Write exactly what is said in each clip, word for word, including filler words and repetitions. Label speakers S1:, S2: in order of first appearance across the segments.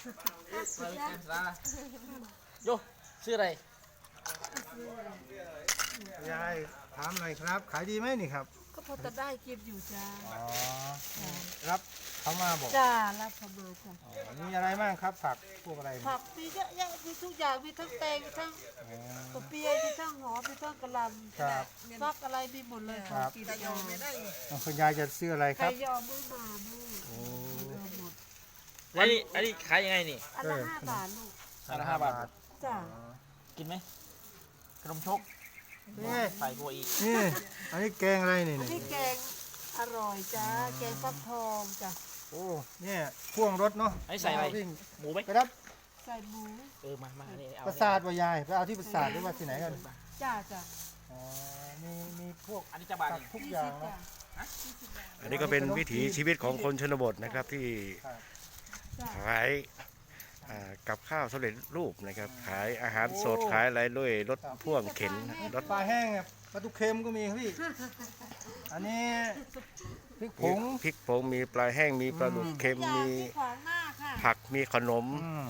S1: โยชื่ออะไร
S2: ยายถามหน่อยครับขายดีไหมนี่ครับ
S3: ก็พอจะได้กินอยู่จ้า
S2: อ๋อรับเขามาบอก
S3: จ้ารับเขามาจ้า
S2: มีอะไรบ้างครับผักพวกอะไร
S3: ผักมีเยอะแยะมีทุกอย่างมีทั้งแตงมีทั้งกระเปียมีทั้งหอมมีทั้งกระลำ
S2: ครับ
S3: ฟักอะไรมีหมดเลย
S2: ครับ
S3: กินยอมไม่ได้
S2: คุณยายจะซื้ออะไรครับ
S3: ไก่ยอมไม่มาลูก
S2: โอ้
S3: หมด
S1: อันนี้อันนี้ขายยังไงนี่
S3: อันละห้าบาทลูก
S1: อันละห้าบาท
S3: จ้า
S1: กินไหมขนมชก
S2: นี่
S1: ใส่กัวอีก
S2: นี่อันนี้แกงอะไรนี่
S3: อันนี้แกงอร่อยจ้าแกงฟักทองจ้า
S2: โอ้เนี่ยพ่วงรถเนาะ
S1: ไอ้ใส่อะไรหมูไหม
S2: ไปรับ
S3: ใส่หมู
S1: เออมามาเนี่ยเอา
S2: ประสาทว่ายายไปเอาที่ประสาทหรือว่าที่ไหนกัน
S3: จ้าจ้า
S2: อ๋อมีมีพวก
S1: อันนี้จะบาท
S2: ทุกอย่างเนาะ
S4: อันนี้ก็เป็นวิถีชีวิตของคนชนบทนะครับที่ขายกับข้าวสำเร็จรูปนะครับขายอาหารสดขายอะไรด้วยรถพ่วงเข็นรถ
S2: ปลาแห้งปลาตุเค็มก็มีพี่อันนี้พริกผง
S4: พริกผงมีปลาแห้งมีปลาดุกเค็มมีผักมีขนม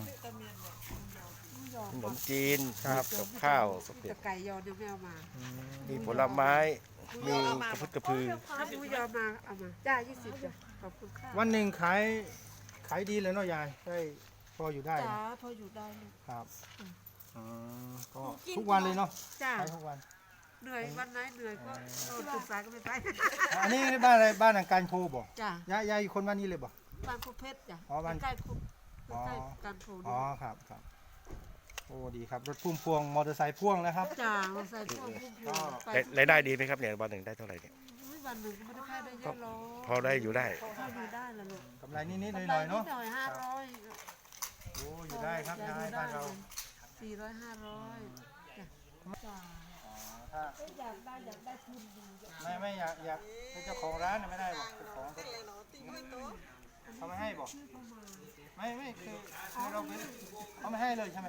S4: ขนมจีนกับข้าวสำเร็จ
S3: ไก่ยอเดี๋ยวไม่เอามา
S4: มีผลไม้มีกระพุ้กระพือ
S3: ถ้าผู้ยอมมาเอามาจ้ายี่สิบจ้ะขอบคุณค่ะ
S2: วันหนึ่งขายขายดีเลยเนาะยายได้พออยู่ได้
S3: จ้าพออยู่ได้
S2: ครับก็ทุกวันเลยเนาะ
S3: จ้า
S2: ทุกวัน
S3: เหนื่อยวันไหนเหนื่อยก็นอนตื่นสายก็ไม่ไป
S2: อันนี้บ้านอะไรบ้านหลังการโพบ่
S3: จ้าย
S2: ายยายอยู่คนบ้านนี้เลยบ่
S3: บ้านคุเพชรจ้ะ
S2: อ๋อบ้าน
S3: ใกล้คุใกล้การโพ
S2: อ๋อครับครับโอ้ดีครับรถพุ่มพวงมอเตอร์ไซค์พ่วงนะครับ
S3: จ้ามอเตอร์ไซค์พ่วงพุ่มพวง
S4: รายได้ดีไหมครับเนี่ยวันหนึ่งได้เท่าไหร่เนี่ย
S3: วันหนึ่งก็ไม่ได้ค่าได้เยอะหรอก
S4: พอได้อยู่ได้
S3: พออยู่ได้ละลูก
S2: กำไรนิดๆหน่อยๆเนาะ
S3: หน่อยห้าร้อย
S2: โอ้อยู่ได้ครับยายบ้านเรา
S3: สี่ร้อยห้าร้อยจ้ะถ้าอยากได้อยากได้ทุน
S2: ไม่ไม่อยากอยากเป็นเจ้าของร้านไม่ได้บอกเจ้าของเขาไม่ให้บอกไม่ไม่คือเราเป็นเขาไม่ให้เลยใช่ไหม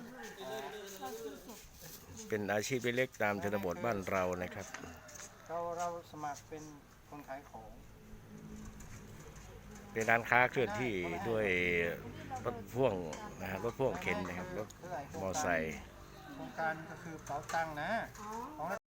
S4: เป็นอาชีพเล็กๆตามชนบทบ้านเรานะครับ
S2: เราเราสมัครเป็นคนขายของ
S4: เป็นร้านค้าเคลื่อนที่ด้วยรถพ่วงนะฮะรถพ่วงเข็นนะครับรถมอเตอร์ไซค์
S2: โครงการก็คือเป๋าตังค์นะ